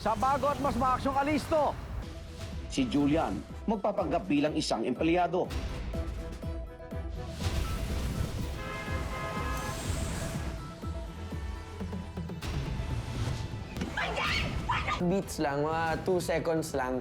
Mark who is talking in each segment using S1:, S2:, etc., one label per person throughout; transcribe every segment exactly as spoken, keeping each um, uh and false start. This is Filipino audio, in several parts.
S1: sa bago at mas maaksyong alisto.
S2: Si Julian, magpapanggap bilang isang empleyado.
S3: Beats lang, mga two seconds lang.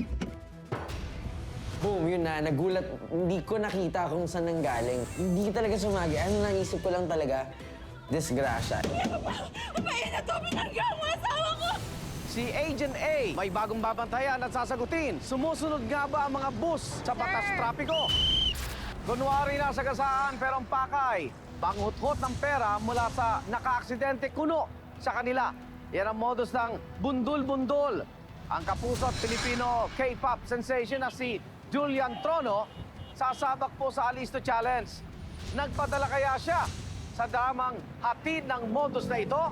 S3: Boom, yun na. Nagulat. Hindi ko nakita kung saan nanggaling. Hindi talaga sumagi. Ano naisip ko lang talaga, disgrasya.
S4: Papayin na to, binangga mo asawa ko!
S1: Si Agent A may bagong babantayan at sasagutin. Sumusunod nga ba ang mga bus sa batas trapiko? Kunwari nasa gasaan pero ang pakay, panguthot ng pera mula sa nakaaksidente kuno sa kanila. Yan ang modus ng bundol-bundol. Ang kapuso at Pilipino K-pop sensation na si Julian Trono sasabak po sa Alisto Challenge. Nagpadala kaya siya sa dramang hatid ng modus na ito?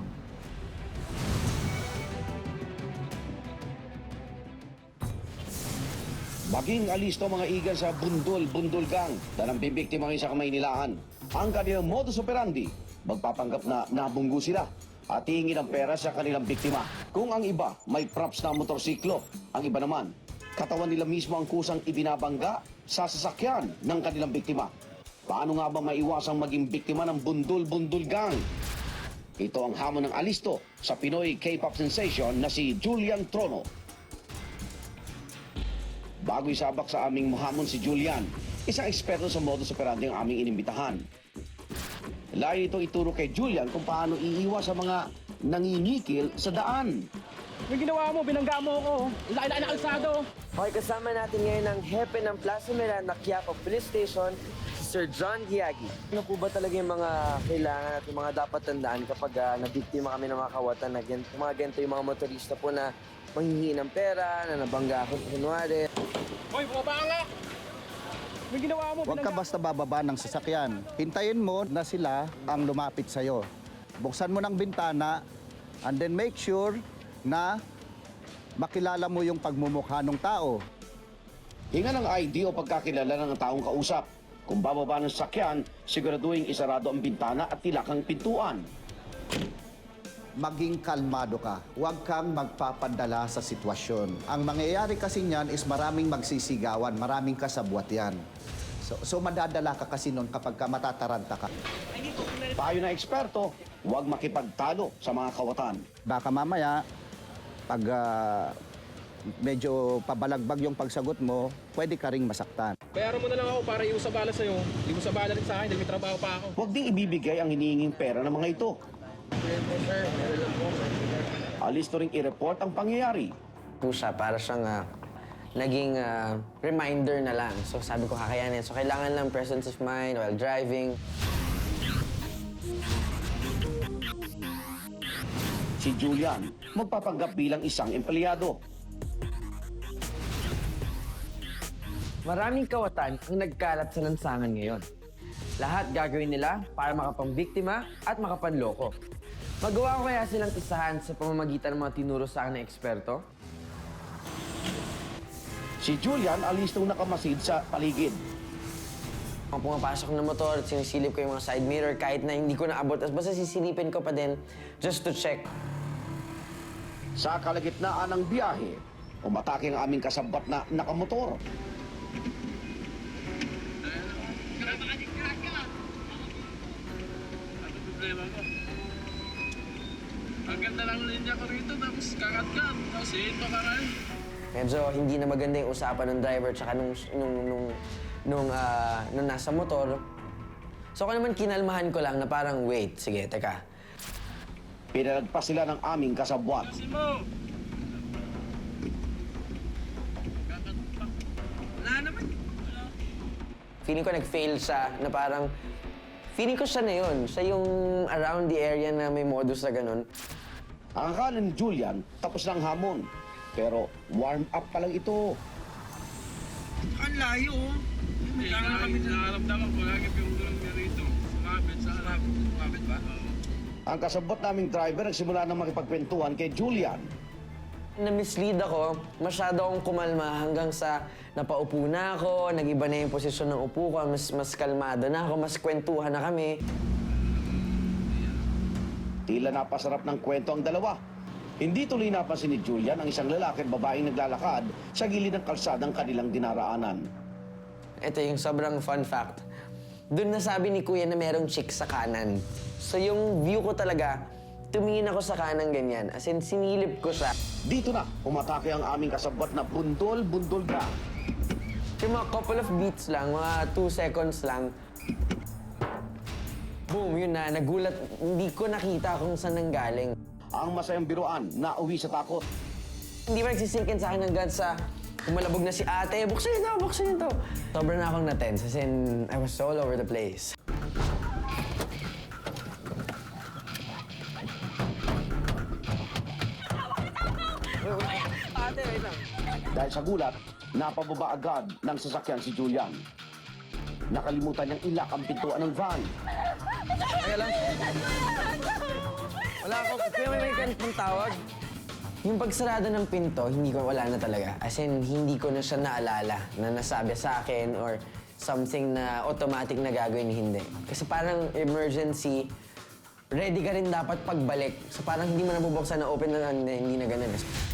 S2: Maging alisto mga igan sa bundol-bundol gang na nang bibiktima ngayon sa Kamaynilaan. Ang kanilang modus operandi, magpapanggap na nabunggo sila at hingin ang pera sa kanilang biktima. Kung ang iba may props na motorsiklo, ang iba naman, katawan nila mismo ang kusang ibinabangga sa sasakyan ng kanilang biktima. Paano nga ba maiwasang maging biktima ng bundol-bundol gang? Ito ang hamon ng alisto sa Pinoy K-pop sensation na si Julian Trono. Bago isabak sa aming hamon si Julian, isang eksperto sa modus operandi ang aming inimbitahan. Layo itong ituro kay Julian kung paano iiwas sa mga nanginikil sa daan.
S5: Yung ginawa mo, binangga mo ako. Laki-laki na kalsado.
S3: Okay, kasama natin ngayon ang hepe ng Plaza Miranda, Quiapo Police Station, si Sir John Giagi. Ano po ba talaga yung mga kailangan at yung mga dapat tandaan kapag uh, nabiktima kami ng mga kawatan na gan- mga ganito yung mga motorista po na manghihingi ng pera, na nabangga ako, kunwari.
S5: Hoy, bumaba ka nga! Yung ginawa mo,
S6: Huwag ka
S5: binangga.
S6: basta bababa ng sasakyan. Hintayin mo na sila ang lumapit sa'yo. Buksan mo ng bintana and then make sure na makilala mo yung pagmumukha ng tao.
S2: Hinga ng I D o pagkakilala ng taong kausap. Kung bababa ng sasakyan, siguraduhin isarado ang bintana at tilak ang pintuan.
S6: Maging kalmado ka. Huwag kang magpapadala sa sitwasyon. Ang mangyayari kasi niyan is maraming magsisigawan, maraming kasabwat yan. So, so madadala ka kasi nun kapag ka matataranta ka.
S2: Payo na eksperto, huwag makipagtalo sa mga kawatan.
S6: Baka mamaya, pag ah, medyo pabalagbag yung pagsagot mo, pwede ka ring masaktan.
S5: Bayaran mo na lang ako para iusa bala sa'yo. Hindi mo sa bala rin sa akin dahil may trabaho pa ako.
S2: Huwag ding ibibigay ang hinihinging pera ng mga ito. Alisto ring i-report ang pangyayari.
S3: Po siya, para siyang ah, naging ah, reminder na lang. So sabi ko, kakayanin. So kailangan lang presence of mind while driving.
S2: Si Julian, magpapanggap bilang isang empleyado.
S3: Maraming kawatan ang nagkalat sa lansangan ngayon. Lahat gagawin nila para makapambiktima at makapanloko. Magawa ko kaya silang isahan sa pamamagitan ng mga tinuro sa akin ng eksperto?
S2: Si Julian, alistong nakamasid sa paligid.
S3: Kung pumapasok ng motor at sinisilip ko yung mga side mirror kahit na hindi ko naabot, as basta sisilipin ko pa din just to check.
S2: Sa kalagitnaan ng biyahe, umatake ang aming kasabat na nakamotor.
S7: Ang ganda lang linya ko rito, tapos kakat-kat, tapos ito ka rin.
S3: Medyo hindi na maganda yung usapan ng driver tsaka nung, nung, nung, nung, ah, nung nasa motor. So ako naman kinalmahan ko lang na parang, wait, sige, teka.
S2: Pinalagpas sila ng aming kasabwat.
S7: Kasi mo! Kakat-kat. Wala naman.
S3: Feeling ko nag-fail siya na parang, feeling ko siya na yun. Siya yung around the area na may modus na ganun.
S2: Ang akala ni Julian, tapos na ang hamon. Pero warm up pa lang ito.
S7: Ang layo, oh. Hindi lang kami nakaramdaman ko. Lagi yung dulang niya rito. Sumabit, sa harap. Sumabit ba? Oo.
S2: Ang kasabot naming driver nagsimula na makipagkwentuhan kay Julian.
S3: Na-mislead ako, masyado akong kumalma hanggang sa napaupo na ako, nag-iba na yung posisyon ng upo ko, mas, mas kalmado na ako, mas kwentuhan na kami.
S2: Tila napasarap ng kwento ang dalawa. Hindi tuloy napansin ni Julian ang isang lalaki at babaeng naglalakad sa gilid ng kalsadang kanilang dinaraanan.
S3: Ito yung sobrang fun fact. Doon nasabi ni Kuya na merong chick sa kanan. So yung view ko talaga, tumingin ako sa kanan ganyan. As in, sinilip ko siya.
S2: Dito na, umatake ang aming kasabwat na bundol-bundol gang.
S3: Yung mga couple of beats lang, mga two seconds lang. Boom, yun na. Nagulat. Hindi ko nakita kung saan nanggaling.
S2: Ang masayang biruan na uwi sa takot.
S3: Hindi pa nagsisinkin sa akin hanggang sa kumalabog na si ate. Buksan niyo to, buksan niyo to. Sobrang na akong natense as in, I was all over the place. Ate, wait lang.
S2: Dahil sa gulat, napababa agad ng sasakyan si Julian. Nakalimutan niyang ilak ang pintuan ng van.
S3: Kaya lang. Wala ako. Kaya may may kanit ng tawag. Yung pagsarado ng pinto, hindi ko wala na talaga. As in, hindi ko na siya naalala na nasabi sa akin or something na automatic na gagawin, hindi. Kasi parang emergency, ready ka rin dapat pagbalik. So parang hindi mo nabubuksan na open na, hindi na ganun.